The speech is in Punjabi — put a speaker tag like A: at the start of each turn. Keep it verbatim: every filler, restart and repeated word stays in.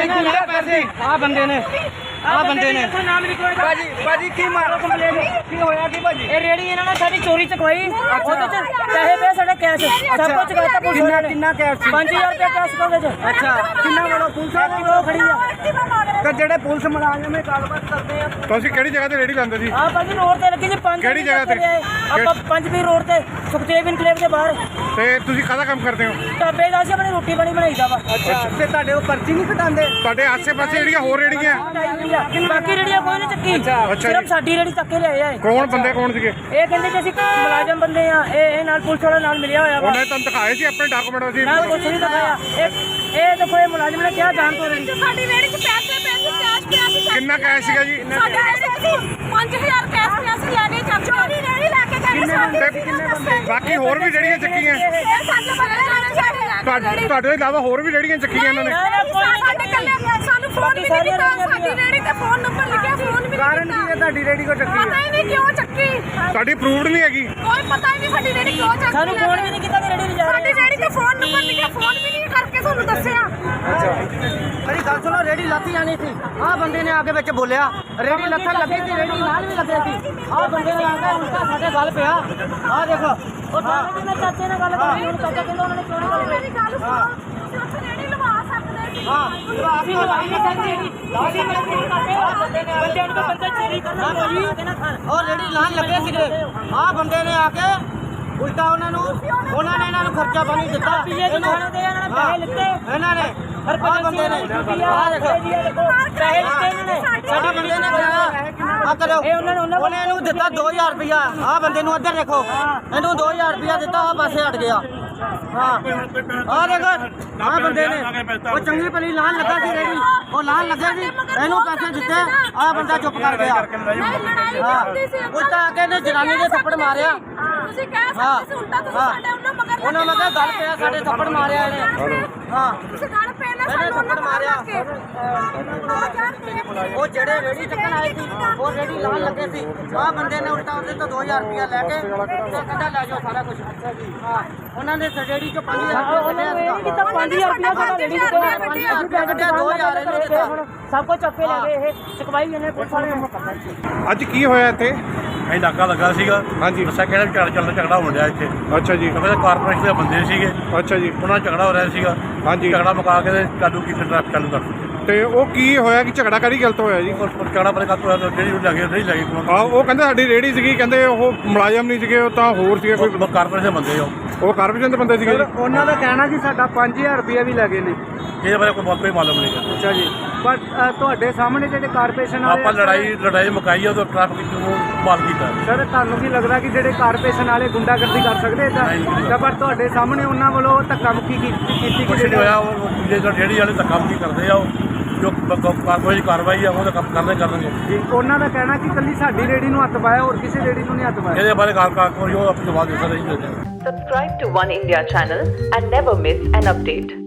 A: पैसे आ बंदे ने ਆ ਬੰਦੇ ਨੇ ਭਾਜੀ ਭਾਜੀ ਕੀ ਮਾਰੋ ਕੰਪਲੇਨ ਕੀ ਹੋਇਆ ਕੀ ਭਾਜੀ
B: ਇਹ ਰੇੜੀ ਇਹਨਾਂ ਨੇ ਸਾਡੀ ਚੋਰੀ ਚਕਵਾਈ ਉਹਦੇ ਚ ਪੈਸੇ ਪਏ ਸਾਡੇ ਕੈਸ਼ ਸਭ ਕੁਝ ਚਕਾਤਾ ਪੁਲਿਸ
A: ਕਿੰਨਾ
B: ਨੇ
A: ਕਿੰਨਾ ਕੈਸ਼ ਸੀ
B: ਪੰਜ ਹਜ਼ਾਰ ਰੁਪਏ ਕੈਸ਼ ਕੋਲ ਵਿੱਚ
A: ਅੱਛਾ ਕਿੰਨਾ ਵਾਲਾ ਪੁਲਿਸ ਆ
B: ਉਹ ਖੜੀ ਆ
A: ਤੇ ਜਿਹੜੇ ਪੁਲਿਸ ਮੁਲਾਜ਼ਮ ਇਹ ਗੱਲਬਾਤ ਕਰਦੇ ਆ
C: ਤੁਸੀਂ ਕਿਹੜੀ ਜਗ੍ਹਾ ਤੇ ਰੇੜੀ ਲਾਉਂਦੇ ਸੀ
B: ਆ ਭਾਜੀ ਰੋਡ ਤੇ ਲੱਗੀ ਜੀ ਪੰਜ
C: ਕਿਹੜੀ ਜਗ੍ਹਾ ਤੇ?
B: ਆਪਾਂ ਪੰਜ ਵੀ ਰੋਡ ਤੇ ਸੁਖਦੇਵ ਇਨਕਲੇਵ ਦੇ ਬਾਹਰ
C: ਤੇ ਤੁਸੀਂ ਕਾਹਦਾ ਕੰਮ ਕਰਦੇ ਹੋ?
B: ਢਾਬੇ ਦਾ ਸੀ ਆਪਣੀ ਰੋਟੀ ਪਾਣੀ ਬਣਾਈਦਾ ਵਾ
A: ਅੱਛਾ ਤੇ ਤੁਹਾਡੇ ਉਹ ਪਰਚੀ ਨਹੀਂ ਕਟਾਉਂਦੇ
C: ਤੁਹਾਡੇ ਆਸੇ-ਪਾਸੇ ਜਿਹੜੀਆਂ ਹੋਰ ਰੇੜੀਆਂ
B: ਬਾਕੀ ਰੇੜੀਆਂ ਕੋਈ ਨਹੀਂ ਚੱਕੀ
C: ਅੱਛਾ
B: ਸਿਰਫ
C: ਜੀ।
B: ਸਾਡੀ ਰੇੜੀ ਚੱਕ ਕੇ ਲਿਆਏ ਆ ਇਹ।
C: ਕੌਣ ਬੰਦੇ ਕੌਣ ਸੀਗੇ?
B: ਇਹ ਕਹਿੰਦੇ ਕਿ ਅਸੀਂ ਮੁਲਾਜ਼ਮ ਬੰਦੇ ਆ ਇਹ ਇਹ ਨਾਲ ਪੁਲਿਸ ਵਾਲਾ ਨਾਲ ਮਿਲਿਆ ਹੋਇਆ ਵਾ
C: ਉਹਨੇ ਤੁਹਾਨੂੰ ਦਿਖਾਏ ਸੀ ਆਪਣੇ ਡਾਕੂਮੈਂਟ ਸੀ?
B: ਨਾ ਕੁਛ ਨਹੀਂ ਦਿਖਾਇਆ ਇਹ ਇਹ ਦੇਖੋ ਇਹ ਮੁਲਾਜ਼ਮ ਨੇ ਕਿਹਾ ਜਾਣ ਤੋਂ ਰੇੜੀ
D: ਸਾਡੀ ਰੇੜੀ 'ਚ ਪੈਸੇ ਪੈਸੇ ਕੈਸ਼ ਪਿਆ ਸੀ
C: ਕਿੰਨਾ ਕੈਸ਼ ਸੀਗਾ ਜੀ?
D: ਸਾਡੀ ਰੇੜੀ 'ਚ ਪੰਜ ਹਜ਼ਾਰ ਕੈਸ਼ ਪਿਆ ਸੀ ਲੈ ਕੇ ਚੱਕ ਚੋਰੀ ਰੇੜੀ ਲੈ ਕੇ ਗਏ
C: ਤੇ ਬਾਕੀ ਹੋਰ ਵੀ ਜਿਹੜੀਆਂ ਚੱਕੀਆਂ
D: ਇਹ ਸਾਡੇ ਬੰਦੇ ਜਾਣੇ ਸਾਡੀ ਲੈ ਕੇ
C: ਤੁਹਾਡੇ ਤੁਹਾਡੇ ਤੋਂ ਇਲਾਵਾ ਹੋਰ ਵੀ ਜਿਹੜੀਆਂ ਚੱਕੀਆਂ ਇਹਨਾਂ ਨੇ?
D: ਸਾਡੇ ਕੱਲੇ ਸਾਨੂੰ ਫੋਨ ਵੀ ਨਹੀਂ ਕੀਤਾ ਸਾਡੀ ਰੇੜੀ ਤੇ ਫੋਨ ਨੰਬਰ ਲਿਖਿਆ ਫੋਨ ਵੀ
A: ਕਾਰਨ ਕੀ ਹੈ ਤੁਹਾਡੀ ਰੇੜੀ ਕੋ ਚੱਕੀ
D: ਪਤਾ ਹੀ ਨਹੀਂ ਕਿਉਂ ਚੱਕੀ
C: ਤੁਹਾਡੀ ਅਪਰੂਵਡ ਨਹੀਂ ਹੈਗੀ?
D: ਕੋਈ ਪਤਾ ਹੀ ਨਹੀਂ ਸਾਡੀ ਰੇੜੀ ਕਿਉਂ ਚੱਕੀ
B: ਸਾਨੂੰ ਫੋਨ ਵੀ ਨਹੀਂ ਕੀਤਾ ਕਿ ਰੇੜੀ ਲਿਜਾ
D: ਸਾਡੀ ਰੇੜੀ ਤੇ ਫੋਨ ਨੰਬਰ ਲਿਖਿਆ ਫੋਨ ਵੀ ਨਹੀਂ ਕਰਕੇ ਤੁਹਾਨੂੰ ਦੱਸਿਆ
A: ਮੇਰੀ ਗੱਲ ਸੁਣੋ ਰੇੜੀ ਲੱਥ ਜਾਣੀ ਸੀ ਆਹ ਬੰਦੇ ਨੇ ਆ ਕੇ ਵਿੱਚ ਬੋਲਿਆ ਰੇੜੀ ਲੱਥਣ ਲੱਗੀ ਸੀ ਰੇੜੀ ਨਾਲ ਵੀ ਲੱਗੇ ਸੀ ਆਹ ਬੰਦੇ ਨੇ ਆ ਕੇ ਉਲਟਾ ਸਾਡੇ ਗੱਲ ਪਿਆ ਆਹ ਦੇਖੋ
B: ਉਹ ਥਾਣੇ ਦੇ ਚਾਚੇ ਨਾਲ ਗੱਲ ਕਰਨੀ ਉਹਨੂੰ ਚਾਚਾ ਕਹਿੰਦਾ ਉਹਨਾਂ ਨੇ ਕਿਉਂ ਨਹੀਂ ਗੱਲ
D: ਮੇਰੀ ਗੱਲ ਸੁਣੋ ਤੁਸੀਂ ਉੱਥੇ ਰੇੜੀ ਲਵਾ ਸਕਦੇ ਸੀ
A: ਹਾਂ
B: ਅਸੀਂ ਲਵਾਈ ਨਹੀਂ ਸਕਦੇ ਅਸੀਂ ਬੰਦਿਆਂ ਨੂੰ ਤਾਂ ਬੰਦਾ ਚੋਰੀ ਕਰਨਾ ਕੋਈ
A: ਉਹ ਰੇੜੀ ਲਾਣ ਲੱਗੇ ਸੀਗੇ ਆਹ ਬੰਦੇ ਨੇ ਆ ਕੇ ਉਲਟਾ ਉਹਨਾਂ ਨੂੰ ਉਹਨਾਂ ਨੇ ਇਹਨਾਂ ਨੂੰ ਖਰਚਾ ਪਾਣੀ ਦਿੱਤਾ
B: ਪੀਏ ਦੀ ਖਾਣੇ ਦੇ ਇਹਨਾਂ ਨੇ ਪੈਸੇ ਲਿੱਤੇ
A: ਇਹਨਾਂ ਨੇ
B: ਹਰ
A: ਆਹ ਬੰਦੇ ਨੇ ਆਹ ਦੇਖੋ
B: ਪੈਸੇ ਲਿੱਤੇ ਇਹਨਾਂ ਨੇ
A: ਸਾਡੇ ਬੰਦੇ ਨੇ ਕਿਹਾ ਆ ਕਰੋ
B: ਇਹ ਉਹਨਾਂ ਨੇ ਉਹਨਾਂ
A: ਉਹਨੇ ਇਹਨੂੰ ਦਿੱਤਾ ਦੋ ਹਜ਼ਾਰ ਰੁਪਇਆ ਆਹ ਬੰਦੇ ਨੂੰ ਇੱਧਰ ਦੇਖੋ ਇਹਨੂੰ ਦੋ ਹਜ਼ਾਰ ਰੁਪਇਆ ਦਿੱਤਾ ਆਹ ਪਾਸੇ ਹਟ ਗਿਆ ਹਾਂ ਆਹ ਦੇਖੋ ਆਹ ਬੰਦੇ ਨੇ ਉਹ ਚੰਗੀ ਭਲੀ ਲਾਣ ਲੱਗਾ ਸੀ ਰੇੜੀ ਉਹ ਲਾਣ ਲੱਗੇ ਸੀ ਇਹਨੂੰ ਪੈਸੇ ਦਿੱਤੇ ਆਹ ਬੰਦਾ ਚੁੱਪ ਕਰ ਗਿਆ
D: ਲੜਾਈ
A: ਹਾਂ
D: ਹੁੰਦੀ ਸੀ
A: ਉਲਟਾ ਆ ਕੇ ਇਹਨੇ ਜਨਾਨੀ ਦੇ ਥੱਪੜ ਮਾਰਿਆ
D: ਤੁਸੀਂ ਕਹਿ
A: ਹਾਂ
D: ਸਕਦੇ ਸੀ ਉਲਟਾ ਤੁਸੀਂ
A: ਹਾਂ
D: ਸਾਡੇ ਉਹਨਾਂ ਮਗਰ
A: ਉਹਨਾਂ ਮਗਰ ਗੱਲ ਪਿਆ ਸਾਡੇ ਥੱਪੜ ਮਾਰਿਆ ਇਹਨੇ ਹਾਂ
D: ਤੁਸੀਂ ਗੱਲ ਪੈ ਨਾ
A: ਇਹਨੇ
D: ਸਾਨੂੰ
A: ਥੱਪੜ ਮਾਰਿਆ ਉਹ ਜਿਹੜੇ ਰੇੜੀ ਚੱਕਣ ਆਏ ਸੀ ਉਹ ਰੇੜੀ ਲਾਣ ਲੱਗੇ ਸੀ ਆਹ ਬੰਦੇ ਨੇ ਉਲਟਾ ਉਹਦੇ ਤੋਂ ਦੋ ਹਜ਼ਾਰ ਰੁਪਇਆ ਲੈ ਕੇ ਤੇ ਕਹਿੰਦਾ ਲੈ ਜਾਓ ਸਾਰਾ ਕੁਝ ਹਾਂ ਉਹਨਾਂ ਨੇ ਰੇੜੀ ਚੋਂ ਪੰਜ ਹਜ਼ਾਰ ਰੁਪਇਆ
B: ਉਹਨਾਂ ਨੇ ਇਹ
A: ਕੱਢਿਆ
B: ਕੀਤਾ ਪੰਜ ਹਜ਼ਾਰ ਰੁਪਇਆ ਸਾਡਾ ਰੇੜੀ ਤੋਂ
A: ਪੰਜ ਹਜ਼ਾਰ ਰੁਪਇਆ ਕੱਢਿਆ ਦੋ ਹਜ਼ਾਰ ਇਹਨੂੰ ਦਿੱਤਾ
B: ਸਭ ਕੁਝ ਚੱਕੇ ਲੈ ਗਏ ਇਹ ਚਕਵਾਈ ਇਹਨੇ ਪੁਲਿਸ ਵਾਲੇ ਨੂੰ ਕਰਨਾ
C: ਅੱਜ ਕੀ ਹੋਇਆ ਇੱਥੇ?
E: ਅਸੀਂ ਨਾਕਾ ਲੱਗਾ ਸੀਗਾ
C: ਹਾਂਜੀ
E: ਦੱਸਿਆ ਕਿਹੜਾ ਝਗੜਾ ਚੱਲਦਾ ਝਗੜਾ ਹੋਣ ਡਿਆ ਇੱਥੇ
C: ਅੱਛਾ ਜੀ
E: ਕਿਉਂਕਿ ਕਾਰਪੋਰੇਸ਼ਨ ਦੇ ਬੰਦੇ ਸੀਗੇ
C: ਅੱਛਾ ਜੀ
E: ਉਹਨਾਂ ਨਾਲ ਝਗੜਾ ਹੋ ਰਿਹਾ ਸੀਗਾ
C: ਹਾਂਜੀ
E: ਝਗੜਾ ਮੁਕਾ ਕੇ ਤੇ ਚਾਲੂ ਕੀਤੀ ਟ੍ਰੈਫਿਕ ਚਾਲੂ ਕਰ ਦਿੱਤੀ
C: ਤੇ ਉਹ ਕੀ ਹੋਇਆ ਕਿ ਝਗੜਾ ਕਰੀ ਗਲਤ ਹੋਇਆ ਜੀ?
E: ਉਸ ਪਰ ਝਗੜਾ ਬਰੇ ਕਾਤੋਂ ਜਿਹੜੀ ਉਹ ਲੱਗੇ ਨਹੀਂ ਲੱਗੀ
C: ਆ ਉਹ ਕਹਿੰਦੇ ਸਾਡੀ ਰੇੜੀ ਸੀਗੀ ਕਹਿੰਦੇ ਉਹ ਮੁਲਾਜ਼ਮ ਨਹੀਂ ਸੀਗੇ ਉਹ ਤਾਂ ਹੋਰ ਸੀਗੇ ਕੋਈ
E: ਕੋਈ ਕਾਰਪੋਰੇਸ਼ਨ ਦੇ ਬੰਦੇ ਹੋ
C: ਉਹ ਕਾਰਪੋਰੇਸ਼ਨ ਦੇ ਬੰਦੇ ਸੀਗੇ ਜੀ?
A: ਉਹਨਾਂ ਦਾ ਕਹਿਣਾ ਕਿ ਸਾਡਾ ਪੰਜ ਹਜ਼ਾਰ ਰੁਪਇਆ ਵੀ ਲੱਗੇ ਨੇ
E: ਇਹਦੇ ਬਾਰੇ ਕੋਈ ਬਹੁਤ ਕੋਈ ਮਾਲੂਮ ਨਹੀਂ ਗਾ।
A: ਅੱਛਾ ਜੀ ਪਰ ਤੁਹਾਡੇ ਸਾਹਮਣੇ ਜਿਹੜੇ ਕਾਰਪੋਰੇਸ਼ਨ
E: ਆਪਾਂ ਲੜਾਈ ਲੜਾਈ ਮੁਕਾਈ ਆ ਤਾਂ ਟ੍ਰੈਫਿਕ ਨੂੰ ਮਾਲ ਕੀਤਾ
A: ਸਰ ਤੁਹਾਨੂੰ ਕੀ ਲੱਗਦਾ ਕਿ ਜਿਹੜੇ ਕਾਰਪੋਰੇਸ਼ਨ ਵਾਲੇ ਗੁੰਡਾਗਰਦੀ ਕਰ ਸਕਦੇ ਤਾਂ ਪਰ ਤੁਹਾਡੇ ਸਾਹਮਣੇ ਉਹਨਾਂ ਵੱਲੋਂ ਧੱਕਾ ਮੁੱਕੀ ਕੀਤੀ
E: ਕੁਛ ਨਹੀਂ ਹੋਇਆ ਉਹ ਜਿਹੜੇ ਜਿਹੜੀ ਵਾਲੇ ਧੱਕਾ ਮੁੱਕੀ ਕਰਦੇ ਆ ਉਹ ਜੋ ਕੋਈ ਕਾਰਵਾਈ ਆ ਉਹ ਤਾਂ ਕੰਮ ਕਰਨੇ ਕਰਨਗੇ
A: ਜੀ ਉਹਨਾਂ ਦਾ ਕਹਿਣਾ ਕਿ ਕੱਲੀ ਸਾਡੀ ਰੇੜੀ ਨੂੰ ਹੱਥ ਪਾਇਆ ਹੋਰ ਕਿਸੇ ਰੇੜੀ ਨੂੰ ਨਹੀਂ ਹੱਥ ਪਾਇਆ
E: ਇਹਦੇ ਬਾਰੇ ਕਾਰ ਕਾਰ ਕੋਈ ਉਹ ਆਪਣੀ ਜਵਾਬ ਦੇ ਸਕਦਾ ਨਹੀਂ ਦਿੰਦੇ
F: Subscribe to One India channel and never miss an update.